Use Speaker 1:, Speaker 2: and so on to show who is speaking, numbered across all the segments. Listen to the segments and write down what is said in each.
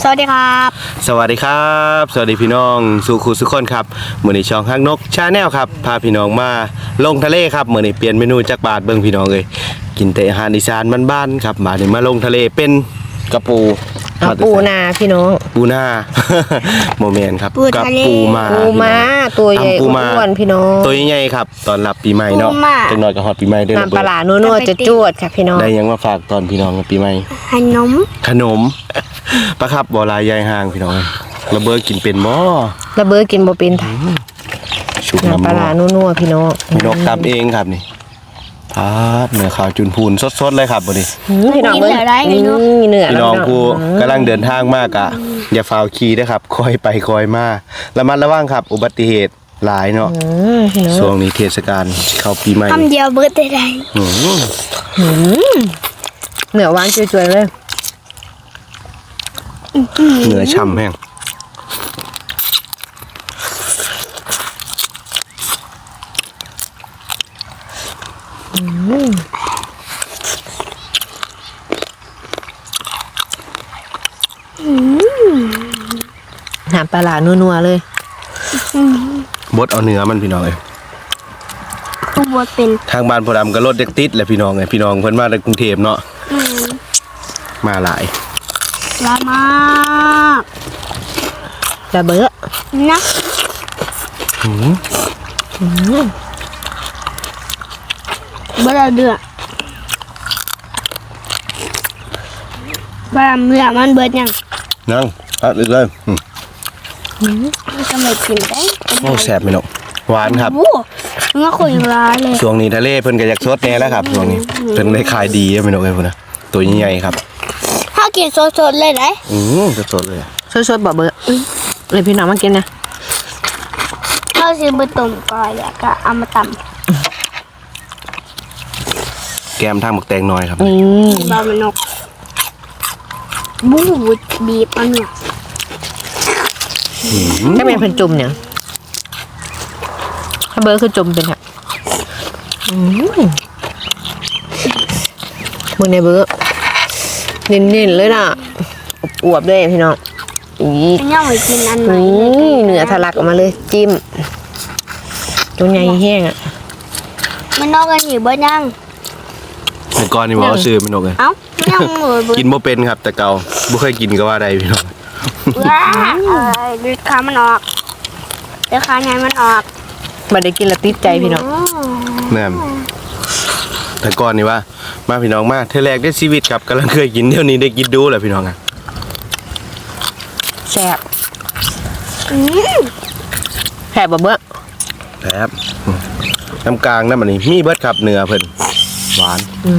Speaker 1: สวัสดีครับ
Speaker 2: สวัสดีครับสวัสดีพี่น้องสุขุสุขคนครับมื้อนี้ช่องฮักนกชาแนลครับพาพี่น้องมาลงทะเลครับมื้อนี้เปลี่ยนเมนูจากบาทเบิ่งพี่น้องเลยกินแต่อาหารอีสานบ้านๆครับบาดนี้มาลงทะเลเป็นกระปู
Speaker 1: นาพี่น้อง
Speaker 2: ปูนา โมเมนครับ
Speaker 1: กับ
Speaker 2: ปูมา
Speaker 1: ตัวใหญ่อ้วนพี่น้อง
Speaker 2: ตัวใหญ่ครับตอนรับปีใหม่เนาะจังหน่อยก็ฮอดปีใหม่ด้วย
Speaker 1: น้ำปลานัวๆจะจวดค่ะพี่น้อง
Speaker 2: ได้ยังมาฝากตอนพี่น้องปีใหม่ขนมปะครับบ่ลายยายห่างพี่น้องระเบิดกินเป็นบ่
Speaker 1: ระเบิดกินบ่เป็น
Speaker 2: ชุบ
Speaker 1: น้ำปลานัวพี่น้อง
Speaker 2: พี่นกตำเองครับนี่เนื้อขาวจุนพูนสดๆเลยครับวันนี้
Speaker 1: พี่น้องเนื้อ
Speaker 2: พี่น้องผู้กำลังเดินทางมากอ่ะอย่าฝ่าขี่นะครับคอยไปคอยมาระมัดระวังครับอุบัติเหตุหลายเนาะช่วงนี้เทศกาลเข้าปีใหม่
Speaker 1: คำเดียวเบิดได้เนื้อหวานจุยๆเลย
Speaker 2: เนื้อฉ่ำแห้ง
Speaker 1: น้ำปลานัวๆเลย
Speaker 2: บดเอาเนื้อมันพี่น้องเลย
Speaker 1: บดเป็น
Speaker 2: ทางบ้านพอดำก็รถเด็กติดแหละพี่น้องเลยพี่น้องเพิ่นมาจากกรุงเทพเนาะมาหลาย
Speaker 1: ละมากระเบ้อนะเบ้อเดือดบ้าเมื่อมันเบิด
Speaker 2: ยังตัดเลย
Speaker 1: จะไม่กินได้
Speaker 2: โอ้แซ่บไหมเนาะหวานครับ
Speaker 1: เมื่อคุยร้านเลย
Speaker 2: ช่วงนี้ทะเลเพิ่นก็อยากสดแน่แล้วครับช่วงนี้เพิ่นได้ขายดีไหมเนาะไอ้พุ่นนะตัวใหญ่ๆครับ
Speaker 1: ถ้ากินสดๆเลยไหม
Speaker 2: สดๆเลย
Speaker 1: สดๆบ่เบื่อเลยพี่น้องมากินนะข้าวซีบะตุ่มก่อยแล้วก็เอามาต
Speaker 2: ำแกมทางหมกแตงน้อยครับ
Speaker 1: บะมันนกบูดบีบอันเนี่ยถ้าเป็นพันจุ่มเนี่ยถ้าเบอร์คือจุ่มเป็นค่ะมึงในเบอร์เน้นๆเลยน่ะอวบด้วยพี่น้องย่างไปกินอันไหนเนื้อทะลักออกมาเลยจิ้มตัวใหญ่แห้งอ่ะมันนอกกันอยู่บ้านยัง
Speaker 2: แต่ก่อนนี่ว่าซื้อมันนกเลย
Speaker 1: ยัง
Speaker 2: กินบ่เป็นครับแต่เก่าบ่เคยกินก็ว่าได้พี่น้อง
Speaker 1: ดูขามันออกเดี๋ยวขาใหญ่มันออกมาได้กินแล้วติดใจพี่น้อง
Speaker 2: แม่แต่ก่อนนี่ว่ามาพี่น้องมาเทแรกได้ชีวิตครับกำลังเคยกินเดี๋ยวนี้ได้กินดูแหละพี่น้องอ่ะ
Speaker 1: แซ่บแซ่บเบ้อ
Speaker 2: แซ่บน้ำกลางน้ำมันนี่มีเบิดครับเนื้อเพิ่นหวาน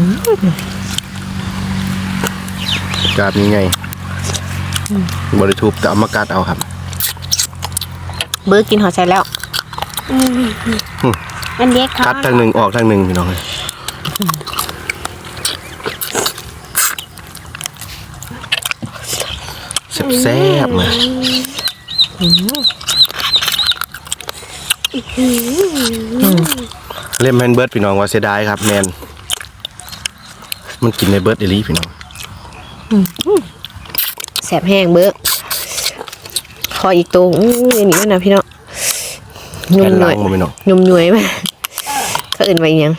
Speaker 2: กาดยังไงบริทูบแต่เอามากัดเอาครับ
Speaker 1: เบิร์กินหอใส่แล้วอันเด็ก
Speaker 2: กัดทางหนึ่งออกทางหนึ่งพี่น้องเลยแซ่บๆมาเล่มแฮนเบิร์ดพี่น้องว่าเสียดายครับแมนมันกินในเบิร์ดเอลี่พี่น้อง
Speaker 1: แสบแห้งเบิร์คออีกตัวอย่างนี้นะพี่น้อง
Speaker 2: ยุ่มหน่อย
Speaker 1: ยุ่มหน่วยไหมเขาอื่นไปยัง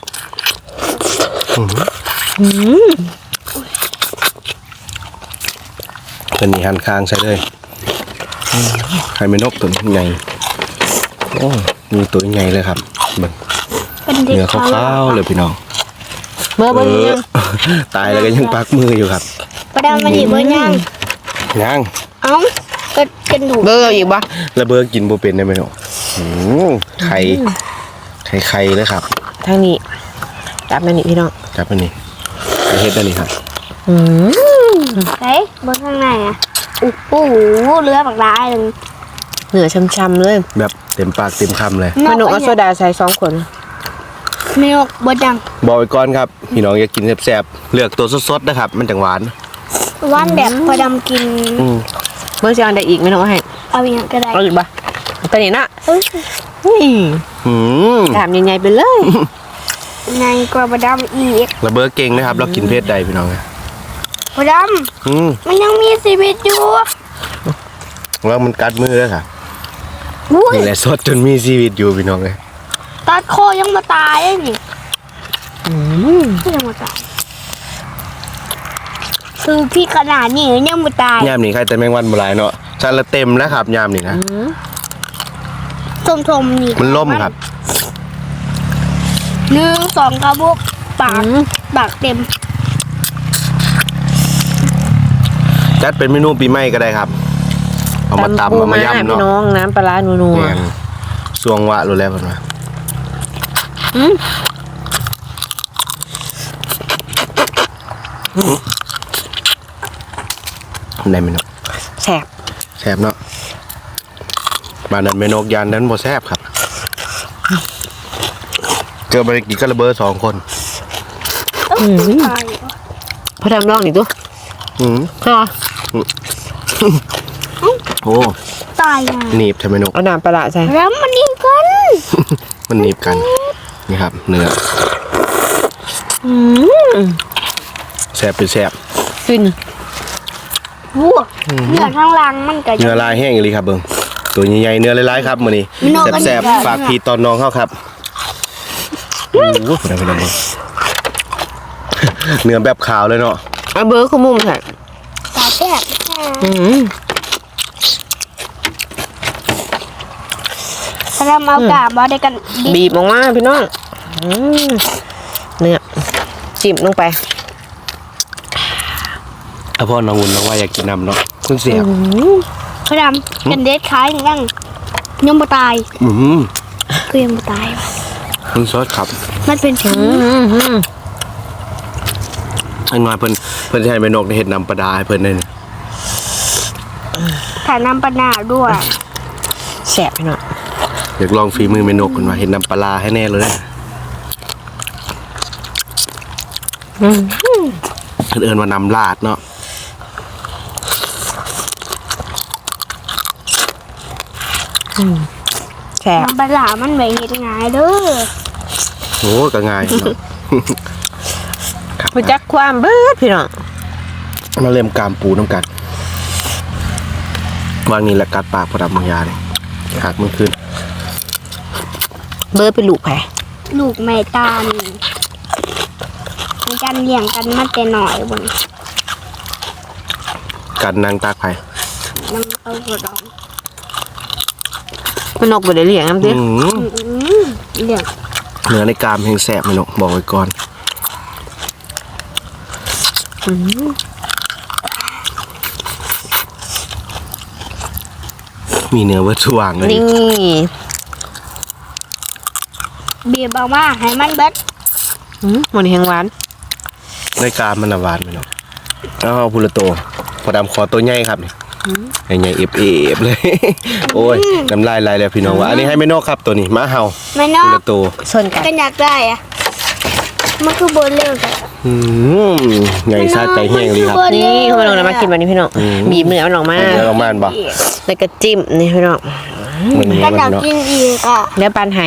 Speaker 2: ตัวนี้หันค้างใช่เลยให้ไม่นกตัวใหญ่โอ้มีตัวใหญ่เลยครับเนื้อขาวๆเลยพี่น้อง
Speaker 1: เมื่อวันนี้
Speaker 2: ตายแล้วก็ยังปักมืออยู่ครับ
Speaker 1: ประดามมันอีกบ่
Speaker 2: ยัง
Speaker 1: ก็กันถูกเบอร์อีกบ่
Speaker 2: แล้วเบอร์กินบ่เป็นได้ไหมเนาะไข่เลยครับ
Speaker 1: ทางนี้จับมันนี่พี่น้อง
Speaker 2: จับมันนี่เฮ็ดได้นี่ครับ
Speaker 1: เฮ้ยบนข้างในอ่ะโอ้โหเลือดปากร้ายเลยเหนือช้ำๆเลย
Speaker 2: แบบเต็มปากเต็มคำเลย
Speaker 1: เมนูอัสโซดาใส่2 ขวดเมนูบดยัง
Speaker 2: บอกไว้ก่อนครับพี่น้องอยากกินแซ่บๆเลือกตัวสดๆนะครับมันจังหวาน
Speaker 1: แบบพอดำกินเมื่อเช้าได้อีกไม่น้องให้เอาอีกก็ได้เอาอีกป่ะตัวนี้นะถามยังไงไปเลย ไงกว่าบดำอีก
Speaker 2: ระเบิดเก่งนะครับเรากินเพศใดพี่น้อง
Speaker 3: พอดำมันยังมีชีวิตอยู่
Speaker 2: แล้วมันกัดมือแล้วค่ะ
Speaker 3: อุ้ย
Speaker 2: นี่แหละสดจนมีชีวิตอยู่พี่น้องเลย
Speaker 3: ตัดคอยังมาตายเลยนี่ยังมาตายคือพี่ขนาดนี้ยังมาตาย
Speaker 2: ยามนี่ใครแต่แมงวันบ่หลายเนาะชาละเต็มแล้วครับยามนี่นะ
Speaker 3: ทมๆนี่
Speaker 2: มันล่มครับ
Speaker 3: 1 2กระบอกปากเต็ม
Speaker 2: จัดเป็นเมนูปีใหม่ก็ได้ครับเอามาตำเอามาย่ำ
Speaker 1: พี่
Speaker 2: เนาะ
Speaker 1: น้องน้ำปลาร้านัว
Speaker 2: แม่นสวงวะรู้แล้วเพิ่นว่าได้ไหมเนาะ
Speaker 1: ๆแสบ
Speaker 2: แซ่บเนาะบ้านนั้นแม่นกยานนั้นบ่แซ่บครับเจอบ่ได้กินก็ระเบ้อ2 คน
Speaker 3: ตาย
Speaker 1: พอทำลองอีกตัว
Speaker 2: อืม
Speaker 1: ค่ะ
Speaker 2: โอ้
Speaker 3: ตายอ่ะ
Speaker 2: หนีบใช่ไหมนก
Speaker 1: เอาน้ำปลาร้าใส่
Speaker 3: แล้วมันยิงกัน
Speaker 2: มันหนีบกันนี่ครับเนื้อแซ่บเป็นแซ่บ
Speaker 1: ฟิน
Speaker 3: วัวเนื้อข้างล่างมันก็
Speaker 2: เนื้อลายแห้งอีหลีครับเบิ่งตัวใหญ่ๆเนื้อหลายๆครับมื้อนี้
Speaker 3: มันนอกกัน
Speaker 2: แซ่บ
Speaker 3: อีกแล้ว
Speaker 2: ๆฝากพี่ตอนน้องเฮาครับโอ้โหเพิ่นเบิ่งเนื้อแบบขาวเลยเนาะ
Speaker 1: เอาเบอร์ขมุมใส่
Speaker 3: ตาแซ่บ ถ้าเราเอากาบอได้กันดิ
Speaker 1: บีบออกมาพี่น้องเนื้อจิ้มลงไป
Speaker 2: เอาพ่อน้องวุ่นน้องว่าอยากกินน้ำเนาะเพิ่งเสียบ
Speaker 3: พระดำกันเด็ดคล้ายหนึ่งยังบ่ตาย คือยังบ่ตาย
Speaker 2: เพิ่งซอสครับ
Speaker 3: มันเป็นผี
Speaker 2: อันมาเพิ่นสิให้แม่นกได้เฮ็ดน้ำปลาดาให้เพิ่นได้นี่
Speaker 3: ถ่ายน้ำปลาหน้าด้วย
Speaker 1: แสบพี่น้อง
Speaker 2: อยากลองฝีมือแม่นกเพิ่นว่าเฮ็ดน้ำปลาร้าให้แน่เลยเพิ่นเอิ้นว่าน้ำลาดเนาะ
Speaker 1: แสบ
Speaker 3: น้ำปลาหลามันไม่เห็นง่ายเด้อ
Speaker 2: โอ้ก็ง่ายเนาะ
Speaker 1: พจักความเบิดพี่น้อง
Speaker 2: มาเล่มกามปูน้ำกันวางนี่แหละกัดปากพอดำบางยาเลยหักมันขึ้น
Speaker 1: เบิดเป็นลูกแผล
Speaker 3: ลูกแม่ตาลมันกันเลี้ยงกันมาแต่หน่อยบน
Speaker 2: กัดนางตากไผ่
Speaker 3: น้ำเอาหัวดอง
Speaker 1: เป็นนกบ่ได้เลี้ยงน้ำดิ
Speaker 3: เลี้ยง
Speaker 2: เนื้อในกามแห้งแสบไหมนกบอกไว้ก่อนมีเนื้อเวิร์ดสว่างเลย
Speaker 1: นี่
Speaker 3: เบียบเอามาให้มันเบิด
Speaker 1: มันแห้งหวาน
Speaker 2: ในกามมันน่ะหวานไหมนกเอาพูละโตพอดำขอตัวใหญ่ครับนี่ใหญ่ๆเอฟๆเลย โอ้ยน้ำลายไหลแล้วพี่น้องว่าอันนี้ให้แม่นกครับตัวนี้ม้าเห่า
Speaker 3: ไม่นอ
Speaker 2: พู
Speaker 3: ก
Speaker 2: ละโต
Speaker 1: ส่วนกัน
Speaker 3: กันอยากได้อะมันคือบนเร็วค่ะ
Speaker 2: ใหญ่ซาใจแห้งเลยครับ
Speaker 1: นี่พี่น้องนะมากินวันนี้พี่น้องบีบเนื้อมันออกมา
Speaker 2: เนื้อออกมาบ่
Speaker 1: แล้วก็จิ้มนี่พี่น้อง
Speaker 2: มันเนื้อ
Speaker 3: กัน
Speaker 2: มั
Speaker 3: อยาน ก
Speaker 2: เนาะ
Speaker 3: กินอีกอ่ะ
Speaker 1: แล้วปันให้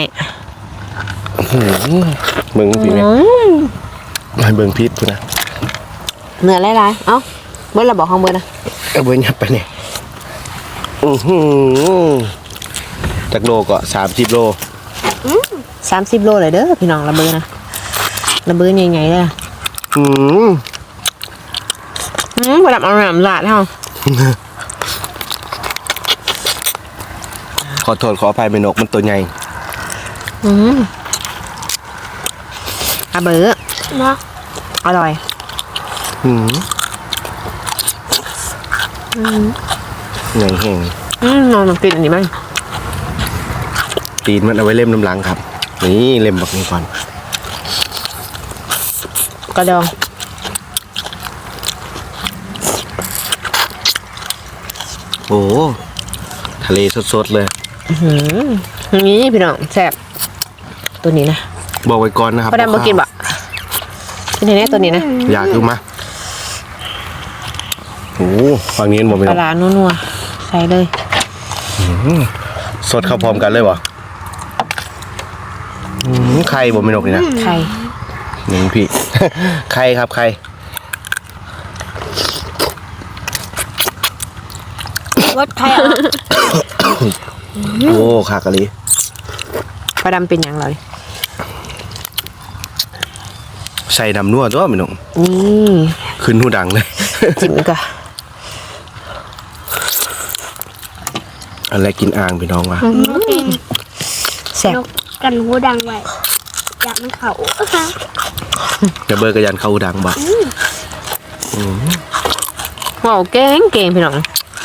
Speaker 2: เบิ่งพี่แม่ให้เบิ่งพิษพุ่นนะ
Speaker 1: เนื้อหลายๆเอ้าเบิดเราบอกข้างบนนะ
Speaker 2: เอาเบิ่งยับไปเนี่ยจากโลก็30 โล
Speaker 1: 30 โลเลยเด้อพี่น้องระเบิดนะระเบิดใหญ่ๆเลยนะพอดับเอาหนามลาดเฮา
Speaker 2: ขอโทษขออภัยแม่นกมันตัวใหญ่
Speaker 1: ระเบิด
Speaker 3: เนาะ
Speaker 1: อร่อย
Speaker 2: ใหญ่แห้ง
Speaker 1: ลองกินอันนี้มั้ง
Speaker 2: ตีนมันเอาไว้เล่มน้ำหลังครับนี่เล่มบักนี้ก่อน
Speaker 1: กระดอง
Speaker 2: โอ้ทะเลสดๆเลย
Speaker 1: นี่พี่น้องแซ่บตัวนี้นะ
Speaker 2: บอกไว้ก่อนนะครับ
Speaker 1: พอดับมากินบะกินในนี้ตัวนี้นะ
Speaker 2: อยากดูมาโอ้ฝั่งนี้บอกไป
Speaker 1: ปลาร้านัวๆใส่เลย
Speaker 2: สดเข้าพร้อมกันเลยวะไข่บ่ไม่นกนี่นะ
Speaker 1: ไข่
Speaker 2: หนึ่งพี่ ไข่ครับไข่
Speaker 3: รสไทยอ่ะ
Speaker 2: โอ้ขากะลี
Speaker 1: พอดำเป็นหยังเราดิ
Speaker 2: ใส่น้ำนัวตัวพี่น้อง
Speaker 1: นี่
Speaker 2: ขึ้นหูดังเลย
Speaker 1: จิ้มอีกก่อน
Speaker 2: อะไรกินอ่างพี่น้องวะ
Speaker 1: แซ่บ
Speaker 3: นกกันหูดังไว้อยากมันเขา
Speaker 2: เดี๋ยวเบอร์กระยันเข้าหูดังบ่
Speaker 1: ว้าวเก่งพี่น้อง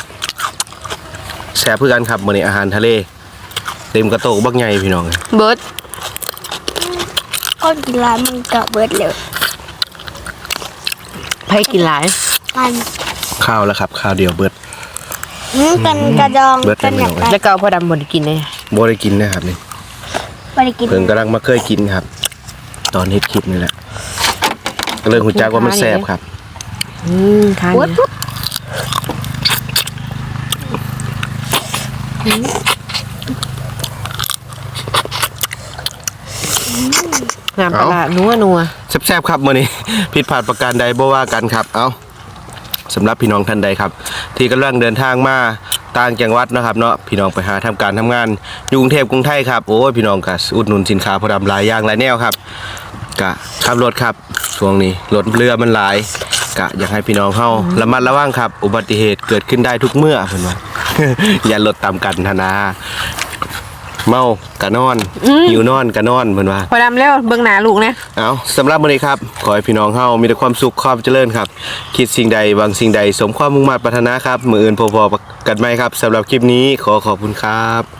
Speaker 2: แซ่บเพื่อกันครับมื้อนี้อาหารทะเลเต็มกระโตกบักใหญ่พี่น้อง
Speaker 1: เบิร์ด
Speaker 3: ก้อนกินร้านมันเกาะเบิดเลย
Speaker 1: ไผกินหลาย
Speaker 3: กัน
Speaker 2: ข้าวแล้วครับข้าวเดียวเบิด
Speaker 3: กันกระดอง
Speaker 2: เบิด
Speaker 3: กันอยาก
Speaker 2: เบิด
Speaker 3: ได้
Speaker 1: แล้วก็เอาพอดำบ่ได้กินเลย
Speaker 2: บ่ได้กินนะครับนี่
Speaker 3: ไปกิน
Speaker 2: เพิ่งกำลังมาเคยกินครับ ตอนเฮ็ดคลิปนี่แหละก็เลยหูจักว่ามันแซ่บครับ
Speaker 1: ทาน
Speaker 3: โอ๊ย
Speaker 1: เนี่ยงามปลาร้านัว
Speaker 2: แซ่บๆครับมื้อนี้ ผิดพลาดประการใดบ่ว่ากันครับ เอ้าสำหรับพี่น้องท่านใดครับ ที่กำลังเดินทางมาต่างจังหวัดนะครับเนาะพี่น้องไปหาทำการทำงานอยู่กรุงเทพกรุงไทยครับโอ้ยพี่น้องก็อุดหนุนสินค้าพอดำหลายอย่างหลายแนวครับก็ขับรถครับช่วงนี้รถเรือมันหลายก็อยากให้พี่น้องเฮาระมัดระวังครับ อุบัติเหตุเกิดขึ้นได้ทุกเมื่อเพิ่นว่า อย่ารถตามกันธนาเมากะนอนหิวนอนกะนอนเพิ่นว่า
Speaker 1: ๆพอดำแล้วเบิ่งหน้าลูกนะ
Speaker 2: เอาสำหรับมื้อนี้ครับขอให้พี่น้องเฮามีแต่ความสุขความเจริญครับ คิดสิ่งใดหวังสิ่งใดสมความมุ่งมั่นปรารถนาครับมื้ออื่นพบกันใหม่ครับสำหรับคลิปนี้ขอขอบคุณครับ